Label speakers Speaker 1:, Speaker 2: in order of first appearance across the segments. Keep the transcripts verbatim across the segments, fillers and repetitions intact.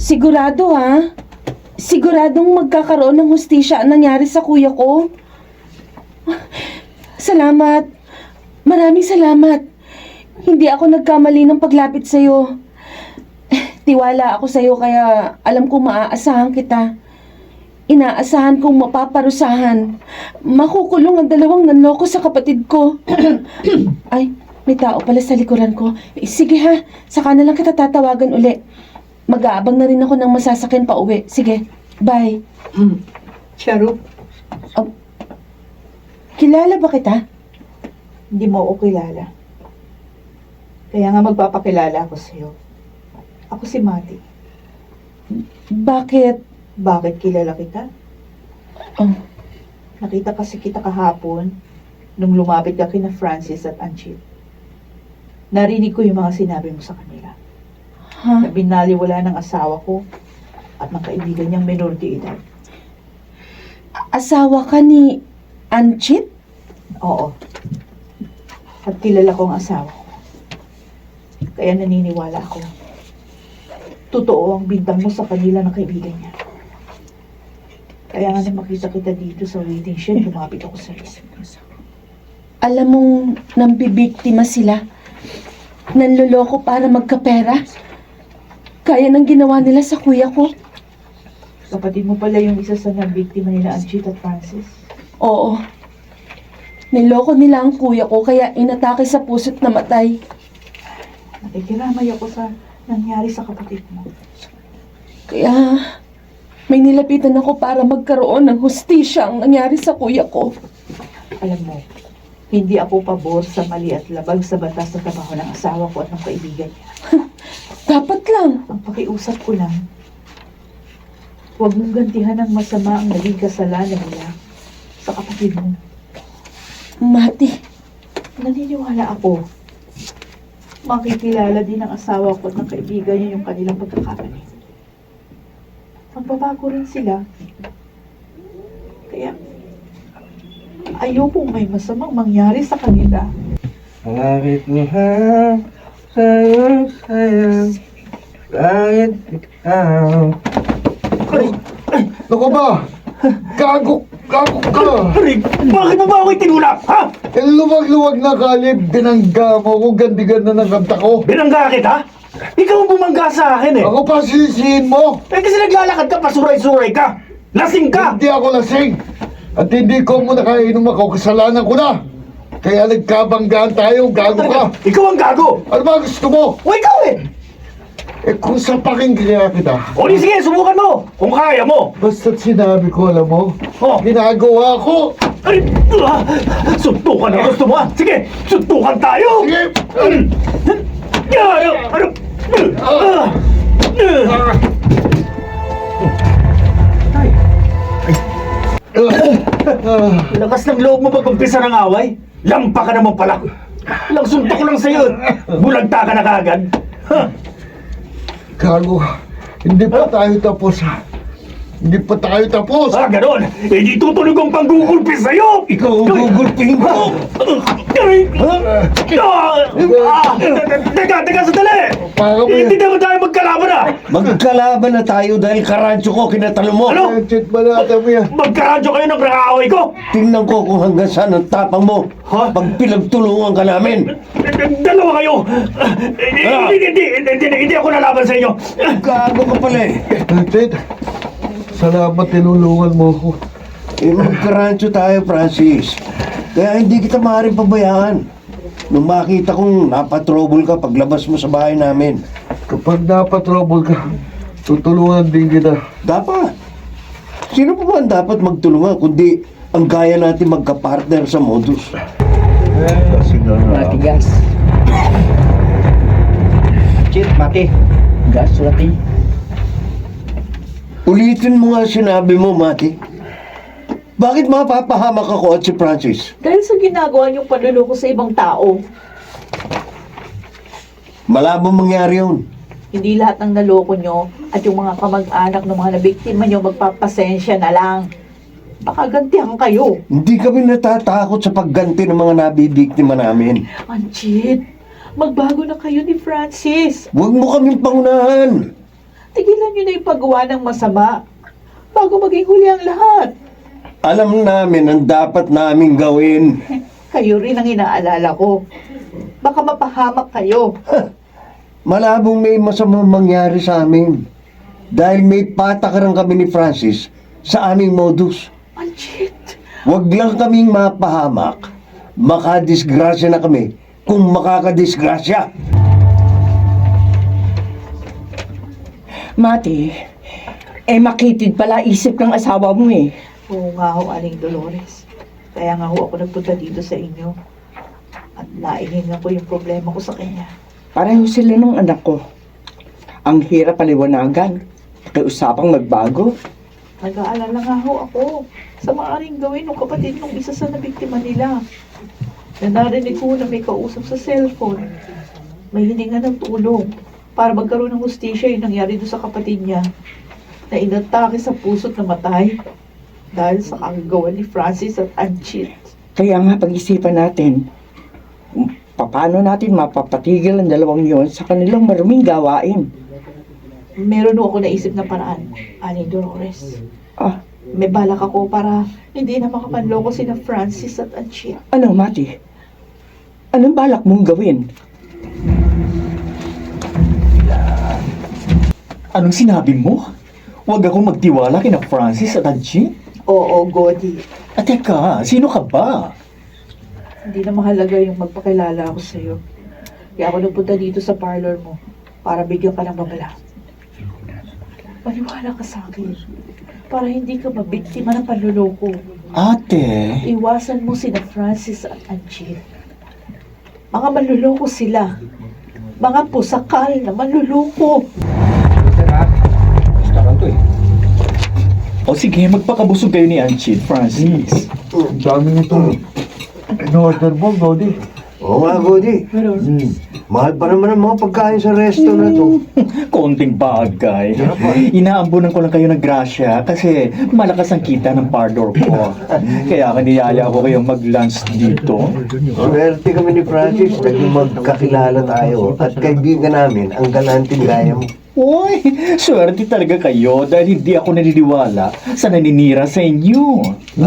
Speaker 1: Sigurado ha? Siguradong magkakaroon ng hustisya ang nangyari sa kuya ko? Salamat. Maraming salamat. Hindi ako nagkamali ng paglapit sa'yo. Tiwala ako sa'yo kaya alam kong maaasahan kita. Inaasahan kong mapaparusahan. Makukulong ang dalawang nanloko sa kapatid ko. Ay, may tao pala sa likuran ko. Eh, sige ha, saka na lang kita tatawagan uli. Mag-aabang na rin ako ng masasakyan pa uwi. Sige, bye.
Speaker 2: Mm. Sharu,
Speaker 1: Oh, kilala ba kita?
Speaker 2: hindi mo ako kilala. Kaya nga magpapakilala ako sa'yo. Ako si Mati.
Speaker 1: Bakit?
Speaker 2: Bakit kilala kita?
Speaker 1: Oh,
Speaker 2: Nakita kasi kita kahapon nung lumapit ka kina Francis at Anchit. Narinig ko yung mga sinabi mo sa kanila.
Speaker 1: ha?
Speaker 2: Na binaliwala ng asawa ko at ng kaibigan niyang menor de edad.
Speaker 1: Asawa ka ni Anchit?
Speaker 2: Oo. At kilala ko ang asawa ko. Kaya naniniwala ako. Totoo ang bintang mo sa kanila ng kaibigan niya. Kaya nga nang makita kita dito sa waiting shed, lumapit ako sa iyo.
Speaker 1: Alam mong nambibiktima sila. Nanloloko para magkapera. Kaya nang ginawa nila sa kuya ko.
Speaker 2: Kapatid mo pala yung isa sa nabiktima nila, Anchit at Francis.
Speaker 1: Oo. Niloko nila ang kuya ko kaya inatake sa puso't namatay.
Speaker 2: Nakikiramay ako sa nangyari sa kapatid mo.
Speaker 1: Kaya may nilapitan ako para magkaroon ng hustisya ang nangyari sa kuya ko.
Speaker 2: Alam mo, hindi ako pabor sa mali at labag sa batas na trabaho ng asawa ko at ng kaibigan niya.
Speaker 1: Dapat lang.
Speaker 2: Ang pakiusap ko lang, huwag mong gantihan ng masama ang naging kasalanan nila sa kapatid mo.
Speaker 1: Mati,
Speaker 2: Naniniwala ako, makikilala din ng asawa ko at ng kaibigan niya yung kanilang pagkakamali. Magbabago rin sila. Kaya, ayokong may masamang mangyari sa kanila.
Speaker 3: Bakit mahal sa'yo, sayang? Bakit ikaw?
Speaker 4: Ay! Ay! Naku ba? Gago! Gago ka!
Speaker 5: Rick, bakit mo ba ako itinulak, ha?
Speaker 4: Eh, luwag-luwag na kalib, binangga mo kung ganda-ganda ng kanta ko.
Speaker 5: Binangga kita? Ikaw ang bumangga sa akin eh.
Speaker 4: Ako pa sisihin mo.
Speaker 5: Eh kasi naglalakad ka, pasuray-suray ka. Lasing ka.
Speaker 4: Hindi ako lasing. At hindi ko mo nakainom ako, kasalanan ko na. Kaya nagkabanggaan tayo, gago ka.
Speaker 5: Ikaw ang gago.
Speaker 4: Ano ba gusto mo?
Speaker 5: O ikaw eh.
Speaker 4: Eh kung sapaking kaya kita,
Speaker 5: O di sige, subukan mo. Kung kaya mo.
Speaker 4: basta't sinabi ko, alam mo,
Speaker 5: Oh.
Speaker 4: ginagawa ko.
Speaker 5: Ay, ah, suntukan ang gusto mo ha. Sige, suntukan tayo.
Speaker 4: Sige!
Speaker 5: Ah, Ano? Ano? Ah, ah. Lakas ng loob mo pag-umpisa ng away. Lampa ka naman pala. Lang suntok lang sa'yo. Bulagta ka na kagad. Ha?
Speaker 4: Gago, hindi pa tayo tapos ha. Hindi pa tayo tapos.
Speaker 5: Ah, ganon. Eh, di tutunog ang panggugulpi sa'yo.
Speaker 4: Ikaw ang gugulpihin ko.
Speaker 5: Ay! Ah! Ah! Teka, teka, sandali!
Speaker 4: Para mo
Speaker 5: Eh, Hindi
Speaker 4: yan.
Speaker 5: naman tayo magkalaban ah!
Speaker 3: Magkalaban na tayo dahil karadyo ko kinatalo mo.
Speaker 5: Ano?
Speaker 4: Chet balata mo yan.
Speaker 5: Magkaradyo kayo ng nakaaway ko!
Speaker 3: Tingnan ko kung hanggang saan ang tapang mo.
Speaker 5: Ha?
Speaker 3: Pag pinagtulungan ka namin.
Speaker 5: Dalawa kayo! Ah, Hindi, hindi, hindi, hindi, hindi ako lalaban sa inyo!
Speaker 3: Gago ka pala eh.
Speaker 4: Chet, salamat tinulungan mo ko.
Speaker 3: Eh, magkaradyo tayo, Francis. Kaya hindi kita maaaring pabayaan. Nung makita kong napatrobol ka paglabas mo sa bahay namin.
Speaker 4: Kapag napatrobol ka, tutulungan din kita.
Speaker 3: Dapat. Sino pa ba ang dapat magtulungan kundi ang gaya natin magka-partner sa modus?
Speaker 4: Kasi nga nga.
Speaker 6: Mati gas. Chip, mati. Gas, mati.
Speaker 3: Ulitin mo nga sinabi mo, Mati. Bakit mapapahamak ako at si Francis?
Speaker 2: Dahil sa ginagawa niyong panluloko sa ibang tao,
Speaker 3: Malabong mangyari yun.
Speaker 2: hindi lahat ng naloko niyo at yung mga kamag-anak ng mga nabiktima niyo magpapasensya na lang. Baka gantihan kayo.
Speaker 3: Hindi kami natatakot sa pagganti ng mga nabibiktima namin.
Speaker 2: Anchit, magbago na kayo ni Francis.
Speaker 3: Huwag mo kaming pangunahan.
Speaker 2: Tigilan niyo na yung paggawa ng masama bago maging huli ang lahat.
Speaker 3: Alam namin ang dapat naming gawin.
Speaker 2: Kayo rin ang inaalala ko. Baka mapahamak kayo.
Speaker 3: Malabong may masamang mangyari sa amin. Dahil may patakaran kami ni Francis sa aming modus.
Speaker 2: Anjit,
Speaker 3: Huwag lang kaming mapahamak. Makadisgrasya na kami kung makakadisgrasya.
Speaker 6: Mati, eh makitid pala isip ng asawa mo eh.
Speaker 2: oo nga ho, Aling Dolores. Kaya nga ho ako nagpunta dito sa inyo. At naihingan ko yung problema ko sa kanya.
Speaker 6: Pareho sila ng anak ko. Ang hirap paliwanagan. Pakiusapang magbago.
Speaker 2: Nag-aalala nga ho ako sa maaaring gawin ng kapatid ng isa sa nabiktima nila. Na narinig ko na may kausap sa cellphone. May hininga ng tulong para magkaroon ng hustisya yung nangyari doon sa kapatid niya na inatake sa puso't namatay dahil sa kagagawa ni Francis at Anchit.
Speaker 6: Kaya nga pag-isipan natin, kung paano natin mapapatigil ang dalawang yon sa kanilang maruming gawain.
Speaker 2: Meron ho ako naisip na paraan, Aling Dolores.
Speaker 6: Ah,
Speaker 2: May balak ako para hindi na makapanloko sina Francis at Anchit.
Speaker 6: ano Mati? Anong balak mong gawin?
Speaker 5: Anong sinabi mo? Huwag akong magtiwala kina Francis at Angie?
Speaker 2: Oo, Godi.
Speaker 5: At teka, sino ka ba?
Speaker 2: Hindi na mahalaga yung magpakilala ako sa'yo. Kaya ako nagpunta dito sa parlor mo para bigyan ka ng babala. Maniwala ka sa akin para hindi ka mabiktima ng panluloko.
Speaker 5: Ate,
Speaker 2: Iwasan mo sina Francis at Angie. Mga manluloko sila. Mga pusakal na manluloko.
Speaker 5: o sige, magpakabusog kayo ni Angie, Francis.
Speaker 4: Ang dami nito. In-order mo, Godi.
Speaker 3: Oo nga, Godi.
Speaker 4: Hmm.
Speaker 3: Mahal pa naman ang mga pagkain sa resto na to.
Speaker 5: Konting bagay. Inaambunan ko lang kayo ng grasya kasi malakas ang kita ng pardor ko. Kaya kaniyaya ko kayong mag-lunch dito.
Speaker 3: Swerte kami ni Francis naging magkakilala tayo at kaibigan namin ang galanting gaya mo.
Speaker 5: Uy, swerte talaga kayo dahil hindi ako naniniwala sa naninira sa inyo.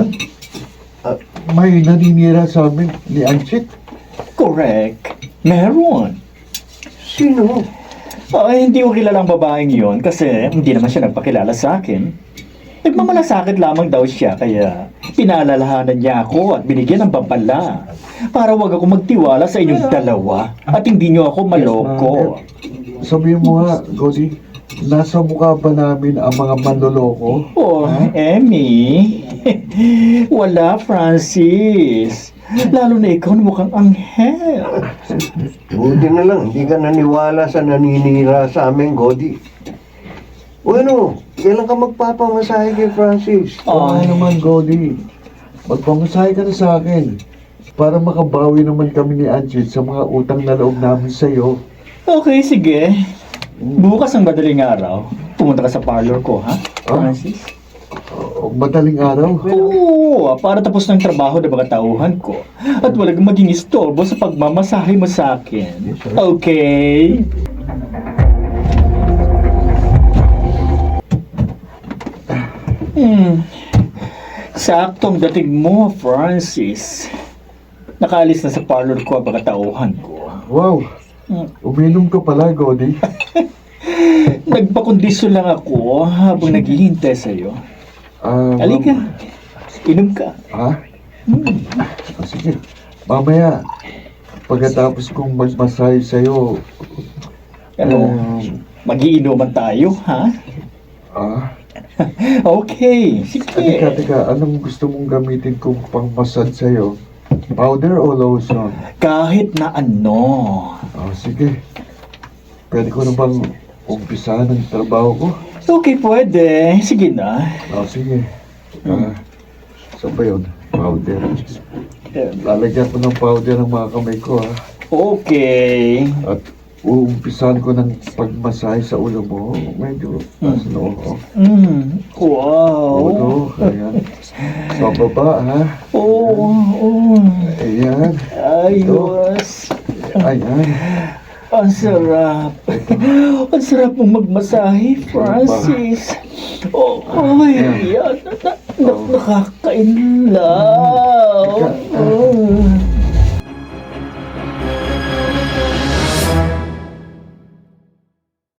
Speaker 4: May naninira sa amin ni Anchit.
Speaker 5: Correct. Meron.
Speaker 3: Sino?
Speaker 5: Ay, hindi ko kilalang babaeng yon kasi hindi naman siya nagpakilala sa akin. Nagmamalasakit lamang daw siya kaya pinaalalahanan niya ako at binigyan ng babala para wag ako magtiwala sa inyong dalawa at hindi niyo ako maloko.
Speaker 4: Sabihin mo nga, Godi, nasa mukha ba namin ang mga manloloko?
Speaker 5: Oh, Emmy. Wala, Francis. Lalo na ikaw na mukhang anghel.
Speaker 3: Buti na lang, hindi ka naniwala sa naninira sa amin, Godi. O ano, kailan ka magpapamasahe kay Francis?
Speaker 4: Oo
Speaker 5: Ay.
Speaker 4: naman, Godi. Magpamasahe ka na sa akin para makabawi naman kami ni Anchit sa mga utang na loob namin sa'yo.
Speaker 5: Okay, sige. Bukas ang madaling araw, pumunta ka sa parlor ko, ha, Francis?
Speaker 4: O, madaling araw.
Speaker 5: Oo, para tapos ng trabaho ng mga tauhan ko at walang maging istorbo sa pagmamasahe mo sa akin. Okay? Hmm. Saktong dating mo, Francis. Nakaalis na sa parlor ko ang mga tauhan ko.
Speaker 4: Wow, uminom ka pala, Godi.
Speaker 5: Nagpakondisyon lang ako habang naghihintay sa'yo.
Speaker 4: Ah,
Speaker 5: Halika, inom ka.
Speaker 4: Ha? Ah, sige. Mamaya, pagkatapos kong magmasahe sa'yo,
Speaker 5: Ano,
Speaker 4: um,
Speaker 5: magiinuman tayo, ha?
Speaker 4: ah,
Speaker 5: Okay, sige.
Speaker 4: teka, teka, anong gusto mong gamitin kong pang-massage sa'yo? Powder o lotion?
Speaker 5: Kahit na ano.
Speaker 4: Ah, sige. Pwede ko na bang umpisahan ang trabaho ko?
Speaker 5: Okay, pwede. Sige na.
Speaker 4: Ah, sige. Ah, saan ba yun? Powder.
Speaker 5: Eh,
Speaker 4: Lalagyan ko ng powder ang mga kamay ko, ha?
Speaker 5: Okay.
Speaker 4: At uumpisahan ko ng pagmasahe sa ulo mo. Medyo taas noo. Oh.
Speaker 5: Mm.
Speaker 4: Ulo,
Speaker 5: Wow.
Speaker 4: ayan. Sa baba, ha?
Speaker 5: Oo, oh, oh.
Speaker 4: Ayan.
Speaker 5: Ayos.
Speaker 4: Ayan.
Speaker 5: Ang sarap. Ang sarap mong magmasahe, Francis. Oh, oh, yan. Na, na, na, nakak-